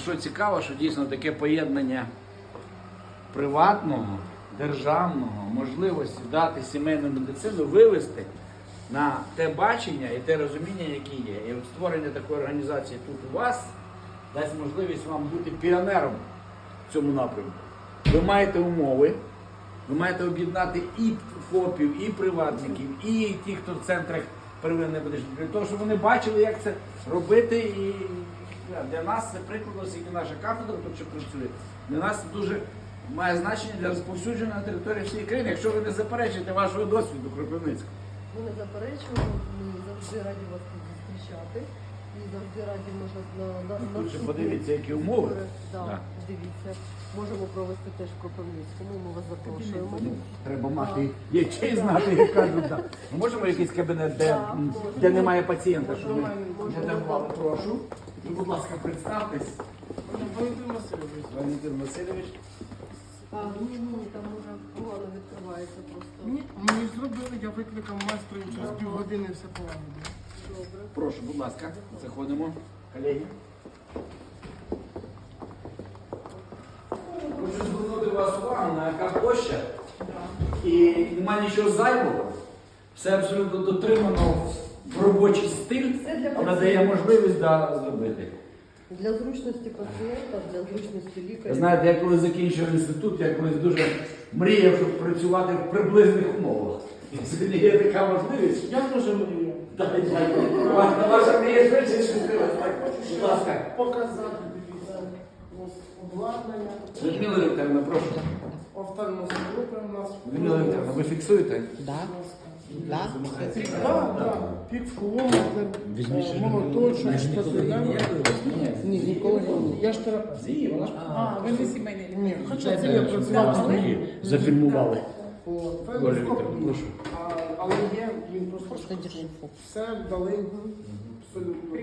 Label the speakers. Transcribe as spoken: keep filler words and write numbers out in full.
Speaker 1: що цікаво, що дійсно таке поєднання приватного, державного, можливості дати сімейну медицину, вивести на те бачення і те розуміння, яке є. І от створення такої організації тут у вас дасть можливість вам бути піонером в цьому напрямку. Ви маєте умови, ви маєте об'єднати і ФОПів, і приватників, і ті, хто в центрах первинної медичної, для того, щоб вони бачили, як це робити. І для нас це приклад, оскільки наша кафедра тут ще працює, для нас це дуже має значення для розповсюдження на території всієї країни, якщо ви не заперечуєте вашого досвіду Кропивницького.
Speaker 2: Ми не заперечуємо, ми завжди раді вас тут зустрічати. І завжди раді можна на, на,
Speaker 1: Тут ще
Speaker 2: наступні
Speaker 1: подивіться, які умови.
Speaker 2: збори. Да,
Speaker 1: Да.
Speaker 2: Дивіться, можемо провести теж в Кропивницькому, ми вас запрошуємо.
Speaker 1: Ну, треба мати ячей знати, як кажуть. Да. Ми можемо якийсь кабінет, де,
Speaker 2: Так,
Speaker 1: м,
Speaker 2: можемо.
Speaker 1: де немає пацієнта, щоб ми
Speaker 2: Можемо.
Speaker 1: не давали. Прошу. Ви, будь ласка, представтесь.
Speaker 3: Валентин Васильович.
Speaker 1: Валентин Васильович.
Speaker 2: А, ні, ні, там може погано відкривається просто.
Speaker 3: Ні, мені зробили, я викликав майстра і через півгодини все полагодив.
Speaker 2: Добре.
Speaker 1: Прошу, будь ласка, заходимо. Колеги. Хочу звернути вас увагу на яка площа. І немає нічого зайвого. Все абсолютно дотримано в робочий стиль,
Speaker 2: Це для
Speaker 1: але дає
Speaker 2: пацієнта.
Speaker 1: можливість да, зробити.
Speaker 2: Для зручності пацієнта, для зручності
Speaker 1: Ви
Speaker 2: лікаря.
Speaker 1: знаєте, я коли закінчив інститут, я колись дуже мріяв, щоб працювати в приблизних умовах. І сьогодні є така можливість.
Speaker 3: Я дуже мрію
Speaker 1: Так, дякую. Ваша ваша мрія швидше швидкилась. Так, будь ласка.
Speaker 3: показати, дивіться, ось обладнання,
Speaker 1: Людмила Вікторівна, прошу.
Speaker 3: офтальмоскопи у нас.
Speaker 1: Людмила Вікторівна, ви фіксуєте?
Speaker 4: Да. Да.
Speaker 3: Так, так, півкілометр, е, молоточок, штативер. Ні, ніколи не було. Я ж терапевт.
Speaker 4: А, ви не сімейний лікар.
Speaker 3: Ні, хоча це я працював з ним.
Speaker 1: Зафільмували.
Speaker 3: От,
Speaker 1: Оля
Speaker 3: фендоскоп
Speaker 1: Вікторівна,
Speaker 3: ні.
Speaker 1: прошу.
Speaker 3: А, але є, він просто
Speaker 4: Просто держи фокус.
Speaker 3: все дали абсолютно.